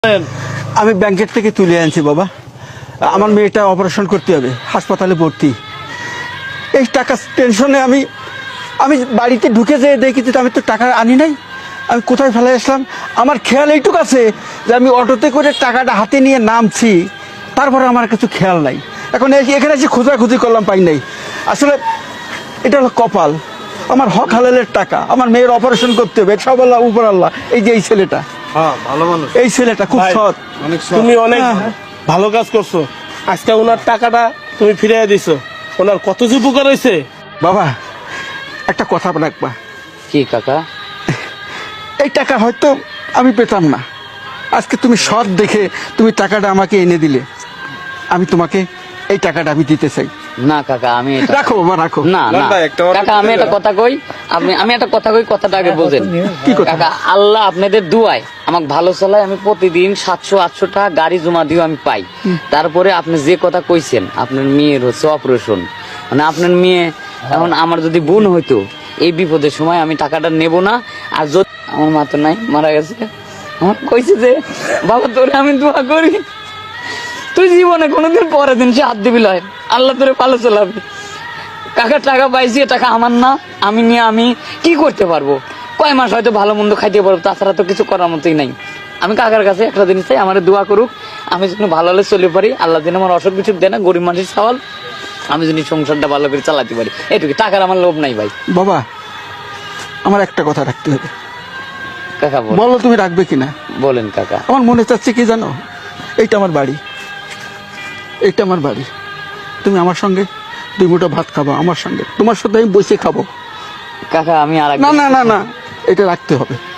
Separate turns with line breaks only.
আমি ব্যাংকের থেকে তুলে আনছি বাবা। আমার মেয়েটা অপারেশন করতে হবে, হাসপাতালে ভর্তি। এই টাকা টেনশনে আমি বাড়িতে ঢুকে যেয়ে দেখি যে আমি তো টাকা আনি নাই, আমি কোথায় ফেলে আসলাম। আমার খেয়াল এইটুকু আছে যে আমি অটোতে করে টাকাটা হাতে নিয়ে নামছি, তারপরে আমার কিছু খেয়াল নাই। এখন এখানে এসে খোঁজাখুঁজি করলাম, পাই নাই। আসলে এটা হলো কপাল, আমার হক হালালের টাকা, আমার মেয়ের অপারেশন করতে হবে, সব আল্লাহ উপর আল্লাহ। এই যে এই ছেলেটা,
ভালো মানুষ,
এই ছেলেটা খুব সৎ।
তুমি অনেক ভালো কাজ করছো। আজকে ওনার টাকাটা তুমি ফিরিয়ে দিছো, ওনার কত যে উপকার হয়েছে।
বাবা একটা কথা রাখবা।
কি কাকা?
এই টাকা হয়তো আমি পেতাম না, আজকে তুমি সৎ দেখে তুমি টাকাটা আমাকে এনে দিলে, আমি তোমাকে এই টাকাটা আমি দিতে চাই।
না কাকা, আমি
রাখো বাবা, রাখো।
না না কাকা, আমি একটা কথা কই, আমি একটা কথা কই, কথাটা আগে বোঝেন।
কি কথা?
কাকা, আল্লাহ আপনাদের দুয়ায় আমাকে ভালো চালায়, আমি প্রতিদিন 700-800 টাকা গাড়ি জমা দিও আমি পাই। তারপরে আপনি যে কথা কইছেন, আপনার মেয়ের হচ্ছে অপারেশন, মানে আপনার মেয়ে এখন আমার যদি বোন হইতো, এই বিপদের সময় আমি টাকাটা নেব না। আর যদি আমার মা তো নাই, মারা গেছে, আমার কইছে যে বাবা তোরে আমি দোয়া করি, তুই জীবনে কোনোদিন পরের দিন সে হাত দিবি লয়, আল্লাহ তোরে ভালো চালাবে। কাকা টাকা পাইছি, টাকা আমার না, আমি নিয়ে আমি কি করতে পারবো? কয় মাস হয়তো ভালো মন্দ খাইতে পারবো, তাছাড়া তো কিছু করার মতোই নাই। আমি কাকার কাছে একটা জিনিস চাই, আমার দোয়া করুক, আমি যেন ভালো হলে চলে পারি। আল্লাহ যেন আমার অসুখ বিসুখ দেয় না, গরিব মানুষের সওয়াল, আমি যদি সংসারটা ভালো করে চালাতে পারি, এটুকু। টাকার আমার লোভ নাই ভাই।
বাবা আমার একটা কথা রাখতে হবে।
কাকা
বলো তুমি রাখবে কিনা?
বলেন কাকা।
আমার মনে চাচ্ছে কি জানো, এইটা আমার বাড়ি, এইটা আমার বাড়ি। তুমি আমার সঙ্গে 2 মুঠো ভাত খাবো, আমার সঙ্গে, তোমার সাথে আমি বসে খাবো।
কাকা আমি আর
না না না না, এটা রাখতে হবে।